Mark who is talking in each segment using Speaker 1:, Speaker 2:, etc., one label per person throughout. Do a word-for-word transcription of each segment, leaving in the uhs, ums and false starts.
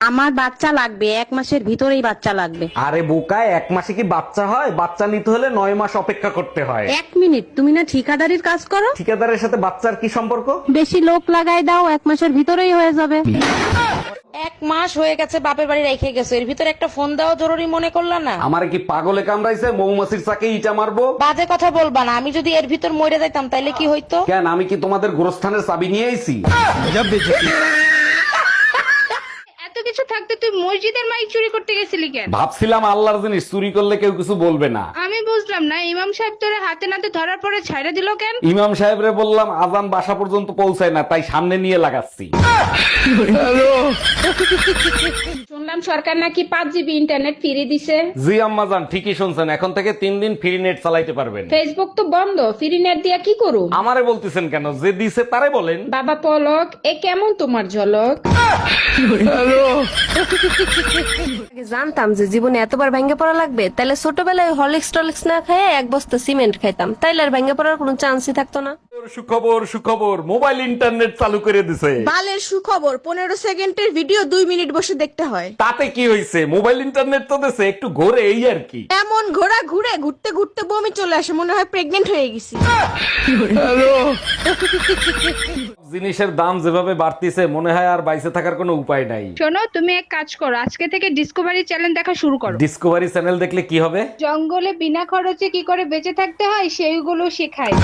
Speaker 1: আমার বাচ্চা লাগবে, এক মাসের ভিতরেই বাচ্চা লাগবে।
Speaker 2: আরে বোকায়, এক মাসে কি বাচ্চা হয়? বাচ্চা নিতে হলে নয় মাস অপেক্ষা করতে হয়।
Speaker 1: এক মিনিট, তুমি না ঠিকাদারির কাজ করো?
Speaker 2: ঠিকাদারের সাথে বাচ্চার কি সম্পর্ক?
Speaker 1: বেশি লোক লাগাই দাও, এক মাসের ভিতরেই হয়ে যাবে।
Speaker 3: এক মাস হয়ে গেছে বাপের বাড়ি রেখে গেছো, এর ভিতরে একটা ফোন দেওয়া জরুরি মনে করলা না?
Speaker 2: আমার কি পাগলে কামড়াইছে? মৌমাছির চাকে ইটা মারবো?
Speaker 3: বাজে কথা বলবা না, আমি যদি এর ভিতর মরে যাইতাম তাইলে কি হইতো?
Speaker 2: কেন, আমি কি তোমাদের গোরস্থানের চাবি নিয়ে আইছি?
Speaker 4: এত কিছু থাকতে তুই মসজিদের মাইক চুরি করতে গেছিলি কেন?
Speaker 2: ভাবছিলাম আল্লাহর জিনিস চুরি করলে কেউ কিছু বলবে না।
Speaker 4: আমি বুঝলাম না, ইমাম সাহেব তোরে হাতে নাতে ধরার পরে ছাইড়া দিল কেন?
Speaker 2: ইমাম সাহেবরে বললাম আজান বাসা পর্যন্ত পৌঁছায় না, তাই সামনে নিয়ে লাগাচ্ছি।
Speaker 4: শুনলাম সরকার নাকি পাঁচ জিবি ইন্টারনেট ফ্রি দিছে।
Speaker 2: জি আম্মাজান, ঠিকই শুনছেন, এখন থেকে তিন দিন ফ্রি নেট চালাইতে পারবেন।
Speaker 4: ফেসবুক তো বন্ধ, ফ্রি নেট দিয়া কি করু?
Speaker 2: আমারে বলতেছেন কেন? যে দিছে তারে বলেন।
Speaker 4: বাবা পলক, এ কেমন তোমার ঝলক?
Speaker 5: জানতাম যে জীবনে এতবার ভেঙে পড়া লাগবে, তাহলে ছোটবেলায় হরলিক্স টলিক্স না খেয়ে এক বস্তা সিমেন্ট খাইতাম, তাইলে আর ভেঙে পড়ার কোনো চান্সই থাকতো না।
Speaker 2: সুখবর সুখবর, মোবাইল ইন্টারনেট চালু করে দিছে।
Speaker 6: বালের সুখবর, পনেরো সেকেন্ডের ভিডিও দুই মিনিট বসে দেখতে হয়।
Speaker 2: তাতে কি হয়েছে? মোবাইল ইন্টারনেট তো দিছে, একটু ঘোরে এই আর কি।
Speaker 6: এমন ঘোরা ঘুরে ঘুরতে ঘুরতে বমি চলে আসে, মনে হয় প্রেগনেন্ট হয়ে গেছি।
Speaker 2: জিনিসের দাম যেভাবে বাড়তিছে, মনে হয় আর বাইসে থাকার কোনো উপায় নাই।
Speaker 4: শোনো, তুমি এক কাজ করো, আজকে থেকে ডিসকভারি চ্যানেল দেখা শুরু করো।
Speaker 2: ডিসকভারি চ্যানেল দেখলে কি হবে?
Speaker 4: জঙ্গলে বিনা খরচে কি করে বেঁচে থাকতে হয় সেইগুলো শেখায়।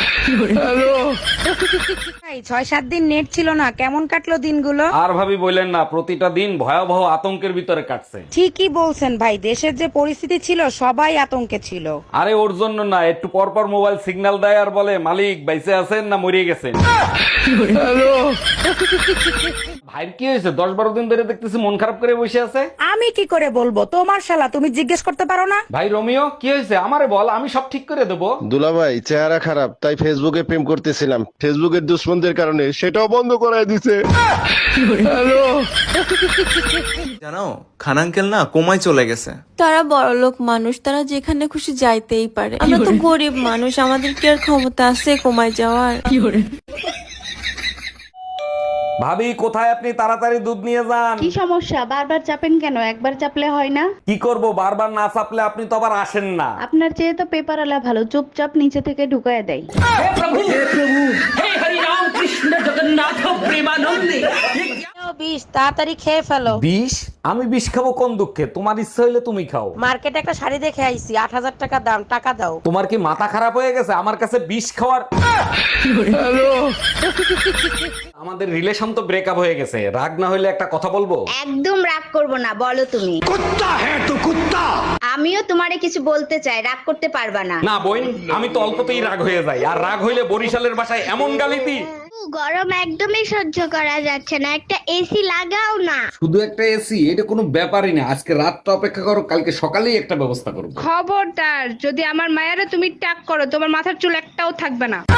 Speaker 3: ছয় সাত দিন নেট ছিল না, কেমন কাটলো দিনগুলো?
Speaker 2: আর ভাবি বললেন না, প্রতিটা দিন ভয়াবহ আতঙ্কের ভিতরে কাটছে।
Speaker 3: ঠিকই বলছেন ভাই, দেশের যে পরিস্থিতি ছিল সবাই আতঙ্কে ছিল।
Speaker 2: আরে ওর জন্য না, একটু পর পর মোবাইল সিগন্যাল দেয় আর বলে মালিক বাইসে আছেন না মরিয়ে গেছেন। ভাইয়ের কি হয়েছে? দশ বারো দিন ধরে দেখতেছি মন খারাপ করে বসে আছে।
Speaker 3: আমি কি করে বলবো, তোমার শালা, তুমি জিজ্ঞেস করতে পারো না?
Speaker 2: ভাই রোমিও, কি হয়েছে আমারে বল, আমি সব ঠিক করে দেবো।
Speaker 7: দুলাভাই চেহারা খারাপ, তাই ফেসবুকে প্রেম করতেছিলাম, ফেসবুকের দুশ্মনদের কারণে সেটাও বন্ধ করায় দিছে।
Speaker 8: জানো খান আঙ্কেল না কোমায় চলে গেছে।
Speaker 5: তারা বড়লোক মানুষ, তারা যেখানে খুশি যাইতেই পারে। আমরা তো গরিব মানুষ, আমাদের কি আর ক্ষমতা আছে কমায় যাওয়ার?
Speaker 2: ভাবি কোথায় আপনি? তাড়াতাড়ি দুধ নিয়ে যান।
Speaker 1: কি সমস্যা? বারবার চাপেন কেন? একবার চাপলে হয় না?
Speaker 2: কি করব, বারবার না চাপলে আপনি তো আবার আসেন না।
Speaker 1: আপনার চেয়ে তো পেপার আলা ভালো, চুপচাপ নিচে থেকে ঢুকায় দেয়।
Speaker 3: বিষ তাড়াতাড়ি খেয়ে ফেলো।
Speaker 2: বিষ? আমি বিষ খাবো কোন দুঃখে? তোমার ইচ্ছা হইলে তুমি খাও।
Speaker 3: মার্কেটে একটা শাড়ি দেখে আইছি, আট হাজার টাকা দাম, টাকা দাও।
Speaker 2: তোমার কি মাথা খারাপ হয়ে গেছে? আমার কাছে বিষ খাওয়ার। আমাদের রিলেশন তো ব্রেকআপ হয়ে গেছে, রাগ না হইলে একটা কথা বলবো?
Speaker 9: একদম রাগ করব না, বলো তুমি।
Speaker 2: কুত্তা হ্যাঁ তো কুত্তা।
Speaker 9: আমিও তোমারে কিছু বলতে চাই, রাগ করতে পারবা না।
Speaker 2: না বোন, আমি তো অল্পতেই রাগ হয়ে যাই, আর রাগ হইলে বরিশালের ভাষায় এমন গালি দিই।
Speaker 9: গরম একদমই সহ্য করা যাচ্ছে না, একটা এসি লাগাও না।
Speaker 2: শুধু একটা এসি? এটা কোনো ব্যাপারই না, আজকে রাতটা অপেক্ষা করো, কালকে সকালেই একটা ব্যবস্থা করবো।
Speaker 4: খবরদার, যদি আমার মায়েরা তুমি টাক করো, তোমার মাথার চুল একটাও থাকবে না।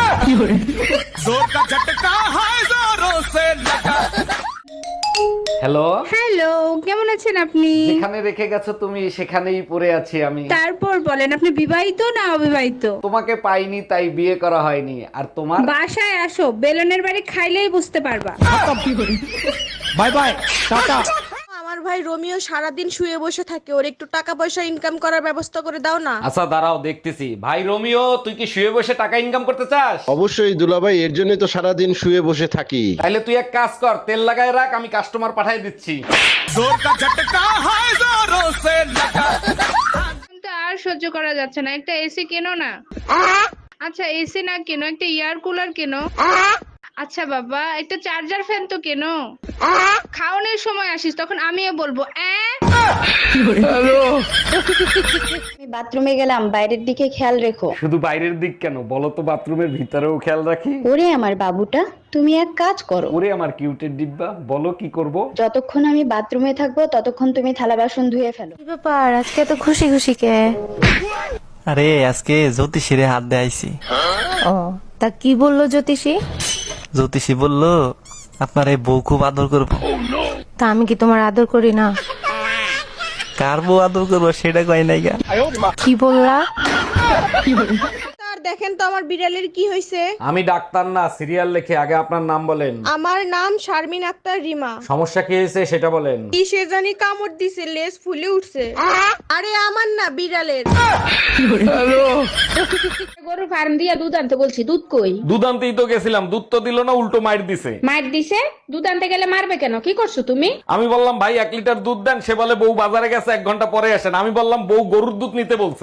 Speaker 2: হ্যালো
Speaker 4: হ্যালো, কেমন আছেন আপনি?
Speaker 2: যেখানে রেখে গেছো তুমি সেখানেই পড়ে আছি আমি।
Speaker 4: তারপর বলেন, আপনি বিবাহিত না অবিবাহিত?
Speaker 2: তোমাকে পাইনি তাই বিয়ে করা হয়নি। আর তোমার?
Speaker 4: বাসায় আসো, বেলনের বাড়ি খাইলেই বুঝতে পারবা।
Speaker 2: Bye bye, tata.
Speaker 6: আমার ভাই রোমিও সারাদিন শুয়ে বসে থাকে, ওর একটু টাকা পয়সা ইনকাম করার ব্যবস্থা করে দাও না।
Speaker 2: আচ্ছা দাঁড়াও দেখতেছি। ভাই রোমিও, তুই কি শুয়ে বসে টাকা ইনকাম করতে চাস?
Speaker 7: অবশ্যই দুলাভাই, এর জন্য তো সারাদিন শুয়ে বসে থাকি।
Speaker 2: তাইলে তুই এক কাজ কর, তেল লাগায় রাখ, আমি কাস্টমার পাঠাই দিচ্ছি।
Speaker 4: কিন্তু আর সহ্য করা যাচ্ছে না, একটা এসি কেনো না। আচ্ছা এসি না কেনো, একটা এয়ার কুলার কেনো। আচ্ছা বাবা, একটা চার্জার ফ্যান তো কেনো। খাওয়ানোর সময় আসিস, তখন আমিও বলবো অ্যাঁ।
Speaker 1: আমি বাথরুমে গেলাম, বাইরের দিকে খেয়াল রেখো।
Speaker 2: শুধু বাইরের দিক কেন, বলো তো বাথরুমের ভিতরেও খেয়াল রাখি।
Speaker 1: ওরে আমার বাবুটা, তুমি এক কাজ করো।
Speaker 2: ওরে আমার কিউটের ডিব্বা, বলো কি করব?
Speaker 1: যতক্ষণ আমি বাথরুমে থাকবো ততক্ষণ তুমি থালা বাসন ধুয়ে ফেলো।
Speaker 5: কি ব্যাপার, আজকে তো খুশি খুশি কে?
Speaker 8: আরে আজকে জ্যোতিষীরে হাত দিয়ে আইছি।
Speaker 5: ও, তা কি বললো জ্যোতিষী?
Speaker 8: জ্যোতিষী বললো আপনার এই বউ খুব আদর করবো।
Speaker 5: তা আমি কি তোমার আদর করি না?
Speaker 8: কার বউ আদর করবো সেটা কয় নাই গা।
Speaker 5: কি বললা?
Speaker 6: দেখেন তো আমার বিড়ালের কি হয়েছে।
Speaker 2: আমি ডাক্তার না, সিরিয়াল লেখে। আগে আপনার নাম বলেন।
Speaker 6: আমার নাম শারমিন আক্তার রিমা।
Speaker 2: সমস্যা কি হয়েছে সেটা বলেন।
Speaker 6: কি সে জানি কামড় দিছে, লেজ ফুলে উঠছে। আরে আমার না, বিড়ালের।
Speaker 3: গরু ফার্ম দিয়া দুধ আনতে বলছি, দুধ কই?
Speaker 2: দুধ আনতেই তো গেছিলাম, দুধ তো দিল না, উল্টো মাইর দিছে।
Speaker 3: মার দিছে? দুধ আনতে গেলে মারবে কেন? কি করছো তুমি?
Speaker 2: আমি বললাম ভাই এক লিটার দুধ দেন, সে বলে বউ বাজারে গেছে, এক ঘন্টা পরে আসেন। আমি বললাম বউ গরুর দুধ নিতে বলছে।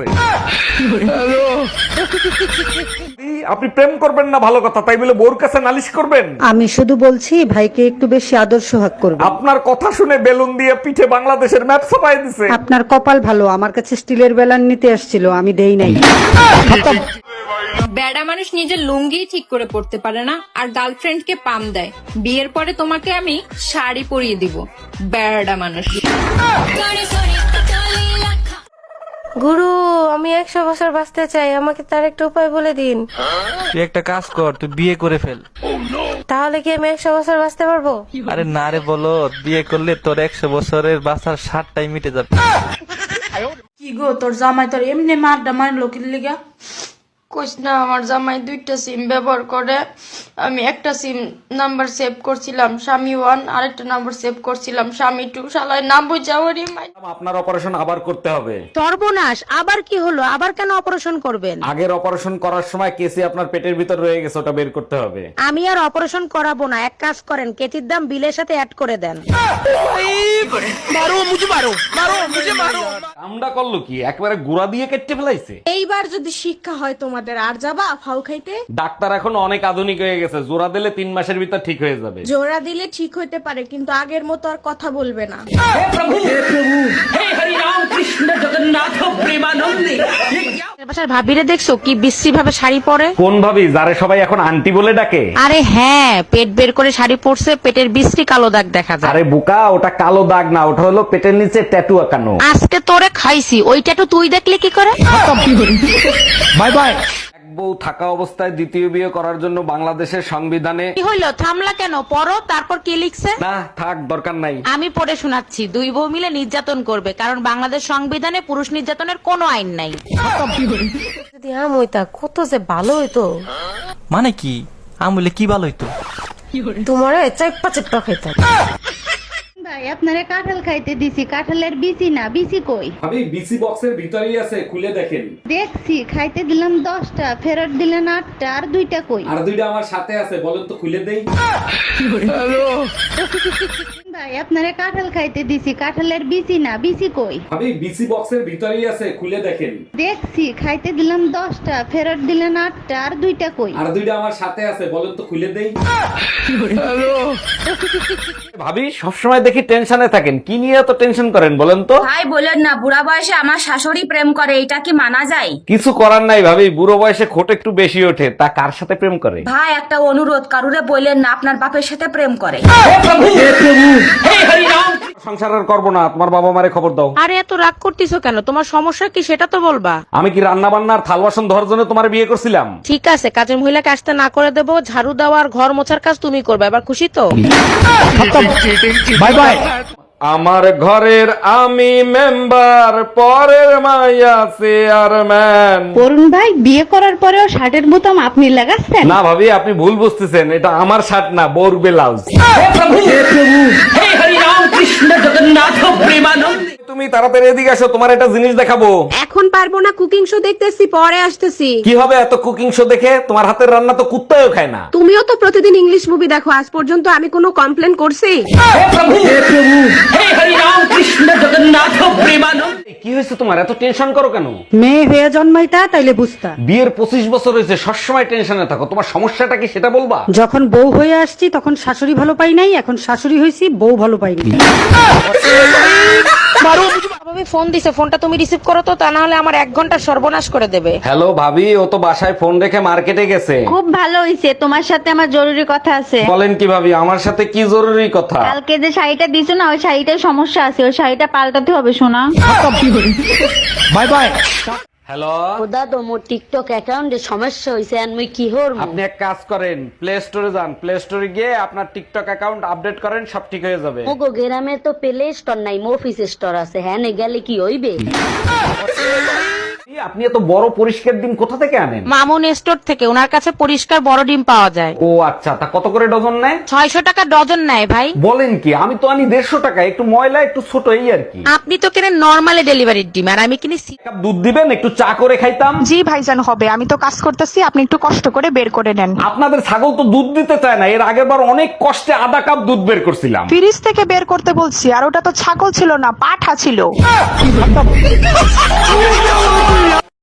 Speaker 2: আপনি প্রেম করবেন না ভালো কথা, তাই বলে বউর কাছে নালিশ করবেন?
Speaker 10: আমি শুধু বলছি ভাইকে একটু বেশি আদর সোহাগ করবে।
Speaker 2: আপনার কথা শুনে বেলুন দিয়ে পিঠে বাংলাদেশের ম্যাপ ছাপাই দিছে।
Speaker 10: আপনার কপাল ভালো, আমার কাছে স্টিলের বেলান নিতে আসছিল, আমি দেই নাই।
Speaker 5: বেড়া মানুষ নিজের লুঙ্গি ঠিক করে পড়তে পারে না, আর গার্লফ্রেন্ডকে পাম দেয়। বিয়ের পরে তোমাকে আমি শাড়ি পরিয়ে দিব, বেড়া মানুষ। গুরু, আমি একশো বছর বাঁচতে চাই, আমাকে তার একটা উপায় বলে দিন।
Speaker 8: তুই একটা কাজ কর, তুই বিয়ে করে ফেল।
Speaker 5: তাহলে কি আমি একশো বছর বাঁচতে পারবো?
Speaker 8: আরে না রে, বলো বিয়ে করলে তোর একশো বছরের বাঁচার ষাটটাই মিটে যাবে।
Speaker 3: কি গো, তোর জামাই তোর এমনি মারডা মারলো কি লিগা?
Speaker 5: কোচ না, আমার জামাই দুইটা সিম ব্যবহার করে। আমি একটা সিম নাম্বার সেভ করছিলাম স্বামী ওয়ান, আরেকটা নাম্বার সেভ করছিলাম স্বামী টু। শালায় নাম বুঝাওয়ারি মাই।
Speaker 2: আপনার অপারেশন আবার করতে হবে।
Speaker 3: সর্বনাশ, আবার কি হলো? আবার কেন অপারেশন করবেন?
Speaker 2: আগের অপারেশন করার সময় কেসি আপনার পেটের ভিতর রয়ে গেছে, ওটা বের করতে হবে।
Speaker 3: আমি আর অপারেশন করাবো না, এক কাজ করেন, কেতির দাম বিলের সাথে অ্যাড করে দেন।
Speaker 2: কামডা করলো কি, একবারে গুড়া দিয়ে কেটে ফেলাইছে।
Speaker 6: এইবার যদি শিক্ষা হয় তোমাদের, আর যাবা ফাউ খাইতে?
Speaker 2: ডাক্তার এখন অনেক আধুনিক হয়ে গেছে, জোড়া দিলে তিন মাসের ভিতর ঠিক হয়ে যাবে।
Speaker 6: জোড়া দিলে ঠিক হইতে পারে, কিন্তু আগের মতো আর কথা বলবে না।
Speaker 3: বাসার ভাবিরে দেখছো কি বিশ্রী ভাবে শাড়ি পরে?
Speaker 2: কোন ভাবি, যারে সবাই এখন আন্টি বলে ডাকে?
Speaker 3: আরে হ্যাঁ, পেট বের করে শাড়ি পরছে, পেটের বিশ্রী কালো দাগ দেখা যায়।
Speaker 2: আরে বুকা, ওটা কালো দাগ না, ওটা হলো পেটের নিচে ট্যাটু আঁকানো।
Speaker 3: আজকে তোরে খাইছি, ওইটা তো তুই দেখলে কি করে?
Speaker 2: Bye bye. এক বউ থাকা অবস্থায় দ্বিতীয় বিয়ে করার জন্য বাংলাদেশের সংবিধানে
Speaker 3: কি হইলো, থামলা কেন? পড়ো, তারপর কি লিখছে?
Speaker 2: না থাক, দরকার নাই।
Speaker 3: আমি পড়ে শোনাচ্ছি। দুই বউ মিলে নির্যাতন করবে, কারণ বাংলাদেশ সংবিধানে পুরুষ নির্যাতনের কোনো আইন নাই।
Speaker 5: যদি আম হইতা কত যে ভালো হইতো।
Speaker 8: মানে কি আমলে কি ভালো হইতো?
Speaker 5: তোমারে চেপ্পা চেপ্পা খাইতাম।
Speaker 1: ভাই আপনারে কাঁঠাল খাইতে দিছি, কাঁঠালের বিচি না, বিচি কই?
Speaker 2: ভাবি বিসি বক্সের ভিতরেই আছে, খুলে দেখেন।
Speaker 1: দেখছি, খাইতে দিলাম দশটা, ফেরত দিলেন আটটা, আর দুইটা কই?
Speaker 2: আর দুইটা আমার সাথে আছে, বলেন তো খুলে দেই।
Speaker 1: ভাই আপনারে কাঁঠাল খাইতে দিছি, কাঁঠালের বিচি না, বিচি কই?
Speaker 2: ভাবি বিসি বক্সের ভিতরেই আছে, খুলে দেখেন।
Speaker 1: দেখছি, খাইতে দিলাম দশটা, ফেরত দিলেন আটটা, আর দুইটা কই?
Speaker 2: আর দুইটা আমার সাথে আছে, বলেন তো খুলে দেই। ভাবি সবসময় দেখি টেনশনে থাকেন, কি নিয়ে এত টেনশন করেন বলেন তো?
Speaker 11: ভাই বলেন না, বুড়া বয়সে আমার শাশুড়ি প্রেম করে, এটা কি মানা যায়?
Speaker 2: কিছু করার নাই ভাবি, বুড়ো বয়সে খোট একটু বেশি ওঠে। তা কার সাথে প্রেম করে?
Speaker 11: ভাই একটা অনুরোধ, কারুরে বললেন না আপনার বাপের সাথে প্রেম করে।
Speaker 2: সংসার আর করবো না, তোমার বাবা মারে খবর দাও।
Speaker 3: আরে এত রাগ করতেছো কেন? তোমার সমস্যা কি সেটা তো বলবা।
Speaker 2: আমি কি রান্না বান্নার থাল বাসন ধরার জন্য তোমার বিয়ে করছিলাম?
Speaker 3: ঠিক আছে, কাজের মহিলাকে আসতে না করে দেবো, ঝাড়ু দেওয়া আর ঘর মোছার কাজ তুমি করবে। এবার খুশি তো?
Speaker 2: Bye bye. আমার ঘরের আমি মেম্বার, পরের মাইয়া চেয়ারম্যান।
Speaker 1: অরুণ ভাই, বিয়ে করার পরেও শার্টের বোতাম আপনি লাগাচ্ছেন?
Speaker 2: না ভাবি, আপনি ভুল বুঝতেছেন, এটা আমার শার্ট না, বোর ব্লাউজ। তুমি তাড়াতাড়ি এদিকে আসো, তোমার একটা জিনিস দেখাবো।
Speaker 6: এখন পারবো না, কুকিং শো দেখতেছি, পরে আসতেছি।
Speaker 2: কি হবে এত কুকিং শো দেখে? তোমার হাতের রান্না তো কুত্তাও খায় না।
Speaker 6: তুমিও তো প্রতিদিন ইংলিশ মুভি দেখো, আজ পর্যন্ত আমি কোনো কমপ্লেন করছি?
Speaker 2: কি হয়েছে তোমার, এত টেনশন করো কেন?
Speaker 10: মেয়ে হয়ে জন্মাইতা তাইলে বুঝতা।
Speaker 2: বিয়ের পঁচিশ বছর হয়েছে, সবসময় টেনশনে থাকো, তোমার সমস্যাটা কি সেটা বলবা?
Speaker 10: যখন বউ হয়ে আসছি তখন শাশুড়ি ভালো পাই নাই, এখন শাশুড়ি হয়েছি বউ ভালো পাইনি।
Speaker 3: ভাবি ফোন দিছে, ফোনটা তুমি রিসিভ করো তো, তা না হলে আমার এক ঘন্টা সর্বনাশ করে দেবে।
Speaker 2: হ্যালো ভাবি, ও তো বাসায় ফোন রেখে মার্কেটে গেছে।
Speaker 1: খুব ভালো হইছে, তোমার সাথে আমার জরুরি কথা আছে।
Speaker 2: বলেন কি ভাবি, আমার সাথে কি জরুরি কথা?
Speaker 1: কালকে যে শাড়িটা দিছো না, ওই শাড়িটার সমস্যা আছে, ওই শাড়িটা পাল্টাতে হবে শোনা।
Speaker 2: Bye bye. হ্যালো
Speaker 3: দাদা, মোর টিকটক অ্যাকাউন্টে সমস্যা হইছে, আমি কি হরব?
Speaker 2: আপনি এক কাজ করেন, প্লে স্টোরে যান, প্লে স্টোরে গিয়ে আপনার টিকটক অ্যাকাউন্ট আপডেট করেন, সব ঠিক হয়ে যাবে।
Speaker 3: ওগো গ্রামে তো প্লে স্টোর নাই, অফিস স্টোর আছে, হ্যাঁ নে গেলে কি হইবে?
Speaker 2: আপনি এত বড় পরিষ্কার ডিম কোথা থেকে আনেন?
Speaker 3: মামুন স্টোর থেকে, ওনার কাছে পরিষ্কার বড় ডিম পাওয়া যায়।
Speaker 2: ও আচ্ছা, তা কত করে ডজন নেয়?
Speaker 3: ছয়শো টাকা ডজন নেয় ভাই।
Speaker 2: বলেন কি? আমি তো আনি দেড়শো টাকা, একটু ময়লা একটু ছোট এই আর কি।
Speaker 3: আপনি তো কেনেন নর্মালি ডেলিভারির ডিম, আর আমি কিনি সি-
Speaker 2: এক কাপ দুধ দিবেন, একটু চা করে খাইতাম।
Speaker 6: জি ভাইজান হবে, আমি তো কাজ করতেছি, আপনি একটু কষ্ট করে বের করে নেন।
Speaker 2: আপনাদের ছাগল তো দুধ দিতে চায় না, এর আগের বার অনেক কষ্টে আধা কাপ দুধ বের করছিলাম।
Speaker 6: ফ্রিজ থেকে বের করতে বলছি, আর ওটা তো ছাগল ছিল না, পাঠা ছিল।